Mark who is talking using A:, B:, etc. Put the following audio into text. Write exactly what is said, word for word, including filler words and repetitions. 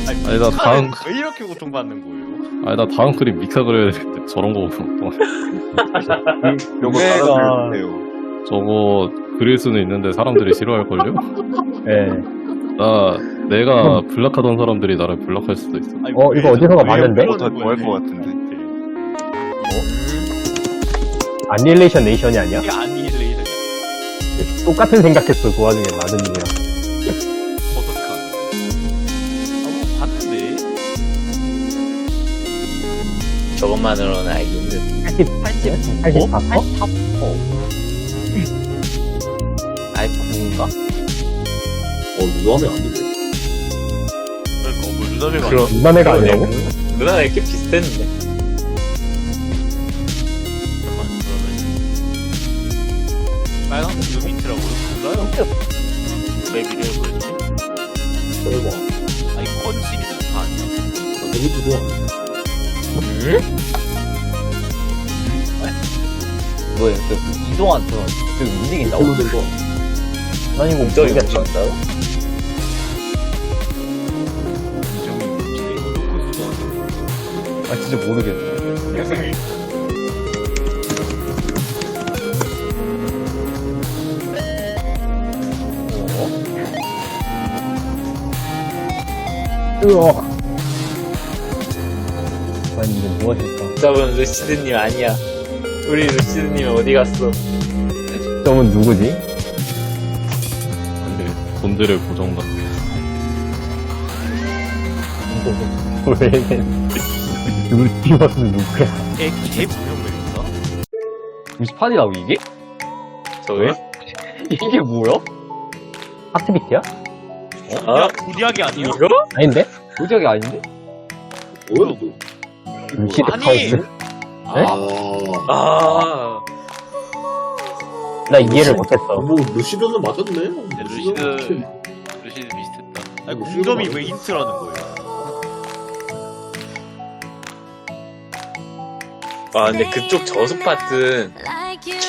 A: 아니,
B: 아니, 나 다음-
A: 왜 이렇게 고통받는 거예요?
B: 아니 나 다음 그림 믹사 그려야 되는데 저런 거 보면
C: 요거
D: 내가-
C: 따라주세요.
B: 저거 그릴 수는 있는데 사람들이 싫어할걸요?
D: 예.
B: 나 내가 블락하던 사람들이 나를 블락할 수도 있어.
A: 아니,
D: 어,
A: 왜-
D: 이거 어디선가
A: 왜
D: 봤는데?
A: 이러는
C: 더 좋아할
A: 거야,
C: 것 같은데.
D: 아니레이션 네이션이 아니야?
A: 이게 아니레이션이야.
D: 똑같은 생각했어, 그 와중에 마드님이랑.
A: 버섯칸. 아뭐 봤는데.
E: 저것만으로는 알기 힘든.
D: 팔십,
A: 팔십.
D: 팔십사 퍼?
A: 팔십사 퍼.
E: 아이쿠인가?
F: 어, 누나면 안 되네.
A: 그러니까 뭐 루다베가
E: 그럼.
D: 누나네가 아니라고?
E: 누나랑 이렇게 비슷했는데.
A: 잠깐만 그러면 빨간색 요미트라고 몰라요? 왜 미래를 보였지?
F: 설마.
A: 아니 컨 시리즈 다 아니야?
F: 나 데뷔트도 안 해.
E: 응?
G: 뭐야, 그, 이동한, 그, 그 움직인다고?
F: 홀로 된 거.
D: 난 이거
E: 공정이
D: 모르겠다.
E: 움직인다고?
G: 아, 진짜 모르겠네.
D: 으어. 난 이게 무엇일까?
E: 저분 루시드님 아니야. 우리 루시드님 어디 갔어?
D: 저분 누구지?
B: 근데 본드를 고정다.
D: 왜, 누구, 디버스는 누구야?
A: 걔, 걔 무형맵인가?
G: 구십팔이라고, 이게?
E: 저게?
G: 이게 뭐야?
D: 하트비트야?
A: 어? 야, 고디하게 아니야?
E: 이거?
D: 아닌데?
G: 도저히 아닌데?
F: 뭐야, 너?
D: 루시드
A: 아니!
D: 카우스?
F: 아.
E: 아,
D: 나 이해를 못했어.
F: 뭐, 루시드는 맞았네.
A: 네, 루시드 루시드 비슷했다. 아니
F: 루시드
A: 공점이
F: 맞아.
A: 왜 힌트라는 거예요?
E: 아 근데 그쪽 저수 파트는